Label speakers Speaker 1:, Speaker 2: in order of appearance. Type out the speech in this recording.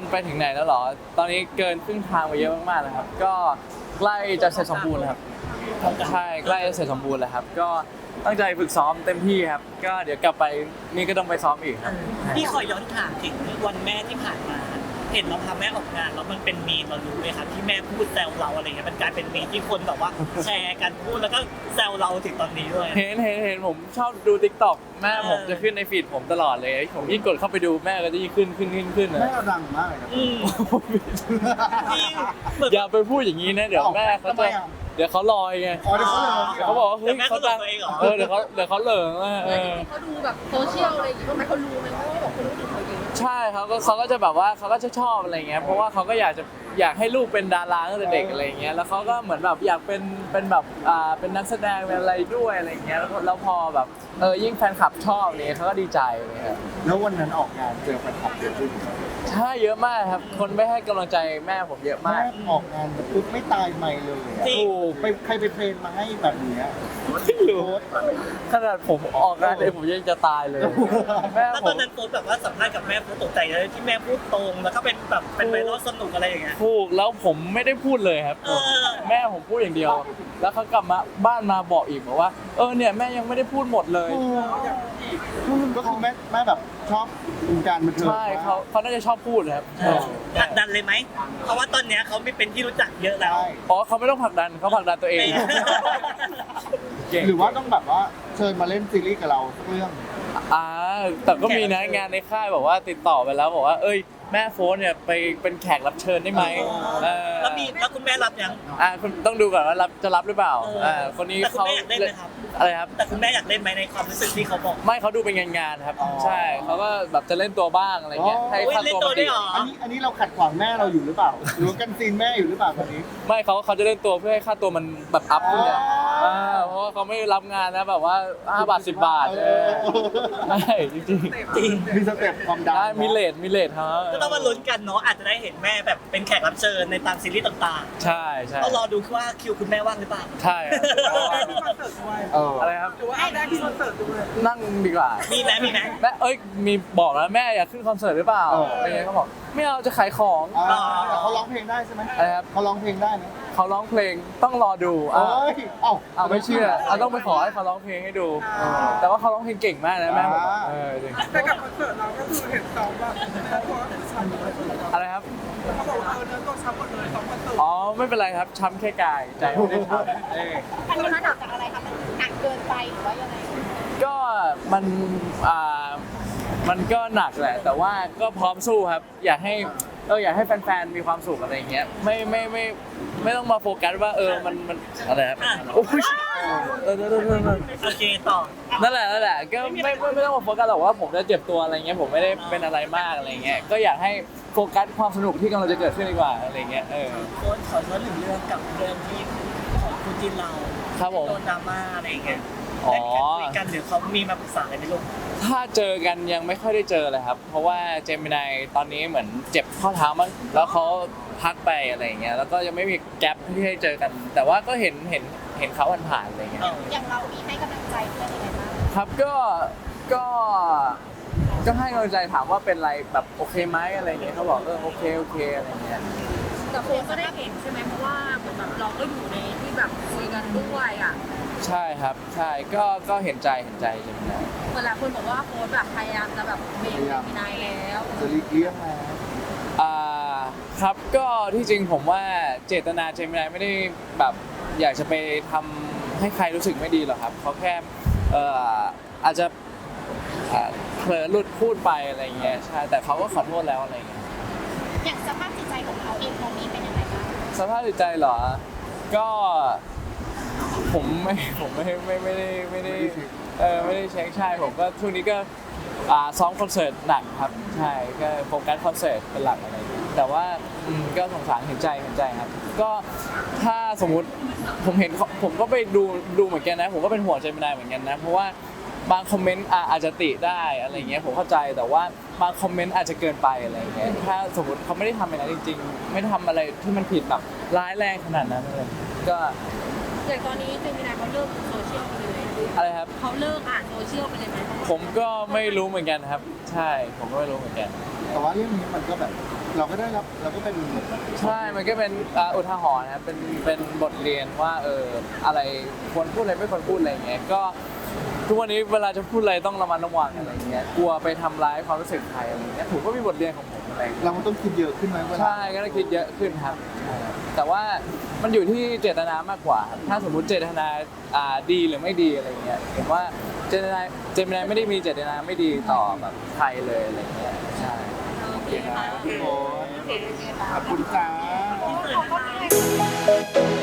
Speaker 1: ไปถึงไหนแล้วเหรอตอนนี้เกินครึ่งทางไปเยอะมากๆแล้วครับก็ใกล้จะเสร็จสมบูรณ์แล้วครับใช่ใกล้จะเสร็จสมบูรณ์แล้วครับก็ตั้งใจฝึกซ้อมเต็มที่ครับก็เดี๋ยวกลับไปนี่ก็ต้องไปซ้อมอีกครับ
Speaker 2: พี่ขอย้อนถามถึงวันแม่ที่ผ่านมา เห็นเราพาแม่ออกงานแล้วมันเป็นมีมเรารู้ไหมครับที่แม่พูดแซวเราอะไรเงี้ยมันกลายเป็นมีมที่คนแบบว่าแชร์กันพูดแล้วก็แซวเราถึงตอนนี้ด้วย
Speaker 1: เห็นผมชอบดู TikTok แม่ผมจะขึ้นในฟีดผมตลอดเลยผมยิ่งกดเข้าไปดูแม่ก็จะยิ่งขึ้นนะ
Speaker 3: แม่เราดังมากเลยนะ
Speaker 2: อืมจริงเหมือน
Speaker 1: อย่าไปพูดอย่างนี้นะเดี๋ยวแม่เขา
Speaker 3: ทำไม
Speaker 1: จะ
Speaker 3: อ่ะ
Speaker 1: เดี๋ยวเขาลอยไง
Speaker 3: อ๋อเดี๋ยวเขาเลย
Speaker 1: เขาบอกว่าเฮ้ย
Speaker 2: แต่แม่
Speaker 1: เขา
Speaker 2: ก็
Speaker 1: ดัง
Speaker 2: ตัวเองเหรอ
Speaker 1: เดี๋ยวเขาเหลิงอ่ะ
Speaker 4: เขาดูแบบโซเชียลอะไรอย่างงี้บ้างไหมเขารู้ไหมว่าแบบคนรู้ถึงเขาเยอะ
Speaker 1: ใช่เขาก็จะแบบว่าเขาก็จะชอบอะไรเงี้ยเพราะว่าเขาก็อยากให้ลูกเป็นดาราตั้งแต่เด็กอะไรเงี้ยแล้วเขาก็เหมือนแบบอยากเป็นแบบเป็นนักแสดงเป็นอะไรด้วยอะไรเงี้ยแล้วพอแบบยิ่งแฟนคลับชอบเนี่ยเขาก็ดีใจเลยครับ
Speaker 3: แล้ววันนั้นออกงานเจอแฟนคลับเยอะขึ้น
Speaker 1: ใช่เยอะมากครับคนไปให้กำลังใจแม่ผมเยอะ
Speaker 3: แม่
Speaker 1: มาก
Speaker 3: ออกงานแบบปุ๊บไม่ตายไม่เลยอะ
Speaker 2: จริง
Speaker 1: ถูก
Speaker 3: ไปใครไปเทรนมาให้แบบเนี้ย
Speaker 1: ไม่รู้ขนาดผมออกงานเองผมยังจะตายเลยแม่
Speaker 2: แล้ว
Speaker 1: ผ
Speaker 2: ตอ
Speaker 1: ม
Speaker 2: นนั้นโค้ชแบบว่าสัมภาษณ์กับแม่โค้ชตกใจเลยที่แม่พูดตรงแล้วก็เป็นแบบเป็นไวรัลสนุกอะไรอย่างเงี้ย
Speaker 1: ถูกแล้วผมไม่ได้พูดเลยครับ
Speaker 2: เออ
Speaker 1: แม่ผมพูดอย่างเดียว แล้วเขากลับมาบ้านมาบอกอีกบอกว่าเนี่ยแม่ยังไม่ได้พูดหมดเลย
Speaker 3: ก็คือแม่แบบชอบวงการบันเทิง
Speaker 1: ใช่เขาน่าจะชอบพูดนะครับ
Speaker 2: ผลักดันเลยไหมเพราะว่าตอนเนี้ยเขาไม่เป็นที่รู้จักเยอะแล้ว
Speaker 3: ใช่
Speaker 1: อ๋อเขาไม่ต้องผลักดันเขาผลักดันตัวเองเก่ง
Speaker 3: หรือว่าต้องแบบว่าเชิญมาเล่นซีรีส์กับเราสักเรื่อง
Speaker 1: แต่ก็มีนะงานในค่ายบอกว่าติดต่อไปแล้วบอกว่าแม่โฟนเนี่ยไปเป็นแขกรับเชิญได้ไหม
Speaker 2: แล้วคุณแม่รับยัง
Speaker 1: คุณต้องดูก่อนว่าจะรับหรือเปล่าคนนี้
Speaker 2: แต่คุณ
Speaker 1: เขา
Speaker 2: แม่อยากเล่นไหมครับ
Speaker 1: อะไรครับ
Speaker 2: แต่คุณแม่อยากเล่นไหมในความรู้สึกที่เขาบอก
Speaker 1: ไม่เขาดูเป็นงานๆครับ
Speaker 3: อ๋อ
Speaker 1: ใช่เขาก็แบบจะเล่นตัวบ้างอะไรเงี้ย
Speaker 3: อ๋อ
Speaker 1: ให้ค่า
Speaker 2: เล่น
Speaker 1: ตัว
Speaker 2: ตัว
Speaker 1: มัน
Speaker 2: ได้
Speaker 1: ดี
Speaker 2: เหรอ
Speaker 3: อันนี้เราขัดขวางแม่เราอยู่หรือเปล่า หรือว่ากันซีนแม่อยู่หรือเปล่าตอนนี้
Speaker 1: ไม่เขาจะเล่นตัวเพื่อให้ค่าตัวมันแบบอัพขึ้นเนี่ย
Speaker 3: อ๋อ
Speaker 1: เพราะว่าเขาไม่รับงานนะแบบว่า5 บาท 10 บาทใช่จริง
Speaker 2: จริง
Speaker 3: มีสเต็ปความ
Speaker 1: ๆ
Speaker 3: ดัง
Speaker 1: ได้มีเลทครับ
Speaker 2: ก็ต้องมาลุ้นกันเนาะอาจจะได้เห็นแม่แบบเป็นแขกรับเชิญในตามซีรีส์ต่าง
Speaker 1: ใช่ใช่
Speaker 2: ๆต้องรอดูว่าคิวคุณแม่ว่างหรือเปล่า
Speaker 1: ใช่ครับ
Speaker 3: เออ
Speaker 1: อะไรครับ
Speaker 4: หรือว่าเอาได้ที่คอนเสิร์ตด้วย
Speaker 1: นั่งดีกว่า
Speaker 2: มีไหม
Speaker 1: แม่มีบอกแล้วแม่อยากขึ้นคอนเสิร์ตหรือเปล่าอะไรเงี้ยเขาบอกไม่เอาจะขายของ
Speaker 3: อ่าแต่เขาร้องเพลงได้ใช่ไหม
Speaker 1: อะไรครับ
Speaker 3: เขาร้องเพลงได้ไหม
Speaker 1: เขาร้องเพลงต้องรอดู
Speaker 3: เอ้ยเอ้า
Speaker 1: ไม่เชื่อต้องไปขอให้เขาร้องเพลงให้ดู แต่ว่าเขาร้องเพลงเก่งมากนะแม่ผมจริง
Speaker 4: แต่กับคอนเสิร์ตเราก็คือเห็นซ้อมแบบตัวช้ำเลย
Speaker 1: อะไรครับ
Speaker 4: เขาบอกว่าเนื้อตัวช้ำหมดเลยซ้อมคอนเสิร์ต
Speaker 1: อ๋อไม่เป็นไรครับช้ำแค่กายใจไม่ได้ช้ำ
Speaker 5: อันนี้มันหนักจากอะไรคะมันหนักเกินไปหรือว่ายังไง
Speaker 1: ก็มันก็หนักแหละ แต่ว่าก็พร้อมสู้ครับ อยากให้แฟนๆมีความสุขอะไรอย่างเงี้ยไม่ต้องมาโฟกัสว่ามันอะไรครับโอ้ย
Speaker 2: โอเคต่อ
Speaker 1: นั่นแหละก็ไม่ต้องมาโฟกัสหรอกว่าผมจะเจ็บตัวอะไรเงี้ยผมไม่ได้เป็นอะไรมากอะไรเงี้ยก็อยากให้โฟกัสความสนุกที่กำลังจะเกิดขึ้นดีกว่าอะไรเงี้ย
Speaker 2: โค้ชขอย้อนหนึ่งเรื่องกับเรื่องที่ของคุณจินเรา
Speaker 1: ครับผม
Speaker 2: โดนดราม่าอะไรอย่างเงี้ย
Speaker 1: อ๋อ
Speaker 2: ได้มีการคุยกันหรือเขามีมาปรึกษาอะไรไหมลูก
Speaker 1: ถ้าเจอกันยังไม่ค่อยได้เจอเลยครับ เพราะว่าเจมินายตอนนี้เหมือนเจ็บข้อเท้ามั้งแล้วเขาพักไปอะไรอย่างเงี้ยแล้วก็ยังไม่มีแกลบที่ให้เจอกัน แต่ว่าก็เห็นเขาผ่านๆอะไรเงี้ย
Speaker 5: อย่างเรามีให้กำลังใจเพื่อนยังไงบ้าง
Speaker 1: ครับก็ให้กำลังใจถามว่าเป็นไรแบบโอเคไหมอะไรเงี้ยเขาบอกโอเคอะไรเงี้ย
Speaker 4: แต่โค้ชก็ได้เห็นใช่ไหมเพราะว่าเหมือนแบบเราก็อยู่ในที่แบบคุยกันด้วยอ่ะ
Speaker 1: ใช่ครับใช่ก็เห็นใจเจมินาย
Speaker 4: เหมือนหลายคนบอกว่าโค้ชแบบพยายามจะแบบเบรกมีนายแล้ว
Speaker 3: จะหลีกเลี่ยงนะ
Speaker 1: ครับก็ที่จริงผมว่าเจตนาเจมินายไม่ได้แบบอยากจะไปทำให้ใครรู้สึกไม่ดีหรอกครับเขาแค่อาจจะเผลอหลุดพูดไปอะไรเงี้ยใช่แต่เขาก็ขอโทษแล้วอะไรเงี้ย
Speaker 5: อย่างสภาพจิตใจของเขาเองตอนนี้เป็นยังไงบ้าง
Speaker 1: สภาพจิตใจเหรอก็ผมไม่ได้เช็คใช่ผมก็ช่วงนี้ก็ซ้อมคอนเสิร์ตหนักครับใช่ก็โฟกัสคอนเสิร์ตเป็นหลักอะไรอย่างเงี้ยแต่ว่าก็สงสารเห็นใจครับก็ถ้าสมมุติผมก็ไปดูเหมือนกันนะผมก็เป็นห่วงเจมินายเหมือนกันนะเพราะว่าบางคอมเมนต์อาจจะติได้อะไรเงี้ยผมเข้าใจแต่ว่าบางคอมเมนต์อาจจะเกินไปอะไรเงี้ยถ้าสมมติเขาไม่ได้ทำอะไรจริงๆไม่ได้ทำอะไรที่มันผิดแบบร้ายแรงขนาดนั้นเลยก็
Speaker 4: อย่างตอนนี้เจมินายเขาเลิกโซเชียลไปเลย
Speaker 1: อะไรครับ
Speaker 4: เขาเลิกอ่านโซเชียลไปเลยไหม
Speaker 1: ผมก็ไม่รู้เหมือนกันครับ ใช่ผมก็ไม่รู้เหมือนกัน
Speaker 3: แต่ว่าเรื่องนี้มันก็แบบเราก็ได้รับเราก็เป็น
Speaker 1: ใช่ มันก็เป็นอุทาหรณ์นะครับเป็นบทเรียนว่าอะไรควรพูดอะไรไม่ควรพูดอะไรอย่างเงี้ยก็ทุกวันนี้เวลาจะพูดอะไรต้องระมัดระวังอะไรอย่างเงี้ยกลัวไปทำร้ายความรู้สึกใครอะไรอย่างเงี้ยผมก็มีบทเรียนของผมอะไรอย่างเงี้ย
Speaker 3: เราต้องคิดเยอะขึ้นไหมเวลา
Speaker 1: ใช่ก็ต้องคิดเยอะขึ้นครับใช่ครับแต่ว่ามันอยู่ที่เจตนามากกว่าครับถ้าสมมุติเจตนาดีหรือไม่ดีอะไรเงี้ยผมว่าเจตนาไม่ได้มีเจตนาไม่ดีต่อแบบใครเลยอะไรเงี้ยใช่
Speaker 4: โอเคค่ะ
Speaker 3: โอ้ยขอบคุณจ้า
Speaker 5: ขอบคุณค่ะ